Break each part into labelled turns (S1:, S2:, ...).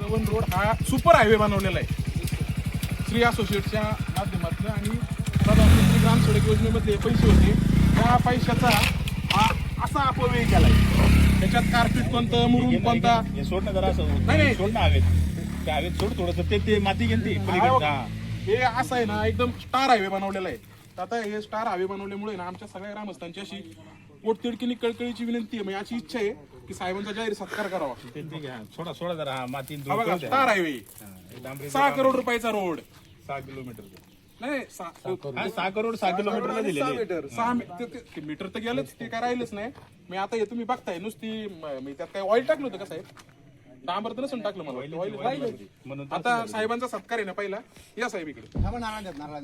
S1: Chavan road हा super highway बनवलेला आहे श्री असोसिएटच्या माध्यमातून आणि प्रधानमंत्री ग्राम सडक योजनेमध्ये पैसे होते त्या पैशाचा हा असा अपव्यय केलाय. त्याच्यात कार्पेट कोणतं मुरुम कोणता
S2: हे सोड ना जरा असं
S1: नाही
S2: सोड ना हवेत त्या हवेत सोड थोडंसं ते माती घेते
S1: हे असं आहे ना एकदम स्टार हायवे बनवलेला आहे. तर आता हे स्टार हायवे बनवल्यामुळे ना आमच्या सगळ्या ग्रामस्थांची अशी पोटतिडकीने कळकळीची विनंती आहे. म्हणजे अशी इच्छा आहे की साहेबांचा जाहीर सत्कार करावा.
S2: सोडा सोडा जरा हा माती
S1: स्टार हायवे 6 करोड रुपयाचा रोड
S2: 6 किलोमीटर
S1: नाही
S2: 6 करोड 6 किलोमीटरला दिलेले
S1: मीटर तर गेलंच ते काय राहिलंच नाही. मी आता हे तुम्ही बघताय नुसती मी त्यात काय ऑइल टाकलं होतं का साहेब? डांबर तर नसून टाकलं मला ऑइल. आता साहेबांचा सत्कार आहे ना पहिला या साहेब इकडे द्या मामा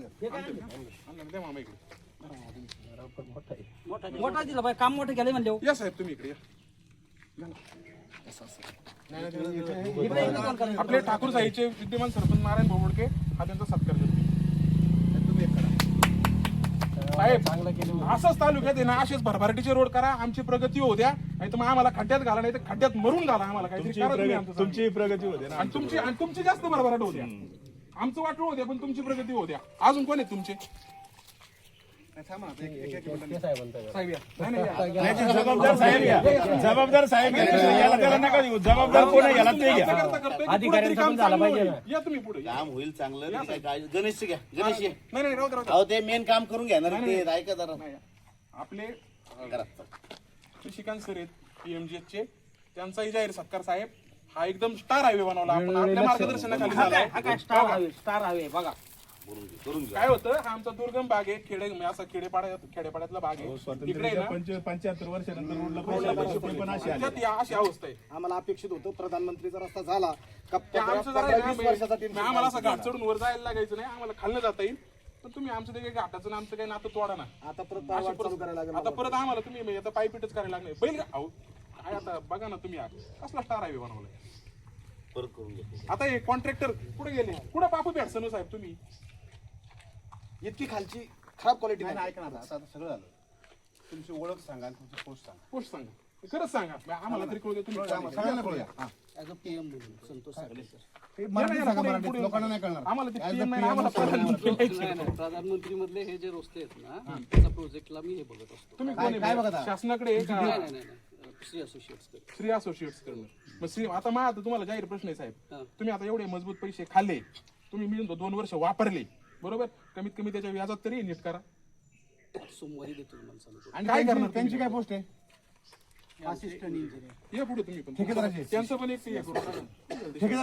S1: इकडे
S3: मोठा दिला बाई काम मोठं केलंय म्हणले
S1: या साहेब तुम्ही इकडे या. आपले ठाकूर साहेबचे विद्यमान सरपंच नारायण बोबडके हा त्यांचा सत्कार करतो. साहेब असंच तालुक्यात आहे ना असेच भरभराटीचे रोड करा आमची प्रगती होऊ द्या नाही तर मग आम्हाला खड्ड्यात घाला नाही तर खड्ड्यात मरून घाला आम्हाला काहीतरी करा तुम्ही आमचं.
S2: तुमची प्रगती होते ना
S1: आणि तुमची जास्त भरभराट होऊ द्या आमचं वाटलं होऊ द्या पण तुमची प्रगती होऊ द्या. अजून कोण आहेत तुमचे साहेब या. नाही, या.
S2: जबाबदार साहेब या जबाबदार साहेब याला त्याला नका देऊ जबाबदार कोण आहे याला ते घ्या.
S1: अधिकाऱ्यांचं काम झालं पाहिजे. या तुम्ही पुढे
S4: काम होईल चांगलं गणेश घ्या गणेश घ्या.
S1: नाही राहू द्या.
S4: अहो ते मेन काम करून घ्या ना ते ऐका जरा
S1: आपले श्रीकांत सर आहेत PMGH चे त्यांचाही जाहीर सत्कार साहेब हा एकदम स्टार हायवे बनवला आपण आपल्या मार्गदर्शनाखाली झालाय.
S3: स्टार हवे बघा
S1: काय होतं हा आमचा दुर्गम भाग आहे असा खेडेपाड्यातला भाग आहे तिकडे ना
S2: 75 वर्षानंतर रोडला पण अशी आली.
S1: त्याच्यात अशी अवस्था आहे.
S5: आम्हाला अपेक्षित होतं प्रधानमंत्रीचा रस्ता झाला
S1: ते आमचं जरा आहे ना, आम्हाला असं घाट चढून वर जायला लागायचं नाही आम्हाला खाल्लं जाता येईल पण तुम्ही आमचं ते काही घाटाचं ना आमचं काही नातं तोडा ना.
S5: आता परत वाट चालू करायला लागेल.
S1: आता परत आम्हाला तुम्ही आता पायपीटच करायला लागणार बैल अहो काय आता बघा ना तुम्ही कसला स्टार हायवे बनवलाय.
S4: परत करून घ्या.
S1: आता हे कॉन्ट्रॅक्टर कुठे गेले कुठे पापू भेटसन साहेब तुम्ही
S5: इतकी खालची खराब क्वालिटी
S6: नाही ऐका ना आता सगळं झालं. तुमची ओळख सांगा आणि तुमची पोस्ट सांगा.
S1: पोस्ट सांगा खरंच सांगा आम्हाला तरी कळू द्या तुम्ही
S6: सगळ्यांना कळूया.
S3: ॲज अ PM म्हणून संतोष सागरे सर.
S6: हे मराठी सांगा मराठीत लोकांना नाही कळणार.
S1: आम्हाला ते PM नाही आम्हाला प्रधानमंत्री
S3: नाही प्रधानमंत्री मधले हे जे रस्ते आहेत ना त्याच्या प्रोजेक्टला मी हे बघत असतो.
S1: तुम्ही
S6: काय-
S1: कोण
S6: काय
S1: आहे?
S6: बघता?
S1: शासनाकडे आहे का?
S3: नाही श्री असोसिएट्स
S1: श्री असोसिएट्स करणं मग श्री आता मग आता तुम्हाला जाहीर प्रश्न आहे साहेब तुम्ही आता एवढे मजबूत पैसे खाल्ले तुम्ही मिळून 2 वर्ष वापरले बरोबर कमीत कमी त्याच्या व्याजात तरी नीट करा.
S3: सोमवारी देतो तुम्हाला सांगतो.
S6: आणि
S1: काय करणार
S6: त्यांची काय पोस्ट आहे?
S3: असिस्टंट इंजिनियर
S1: या पुढे तुम्ही पण
S6: ठेकेदाराची.
S1: त्यांचं पण एक हे करू.
S6: ठेकेदार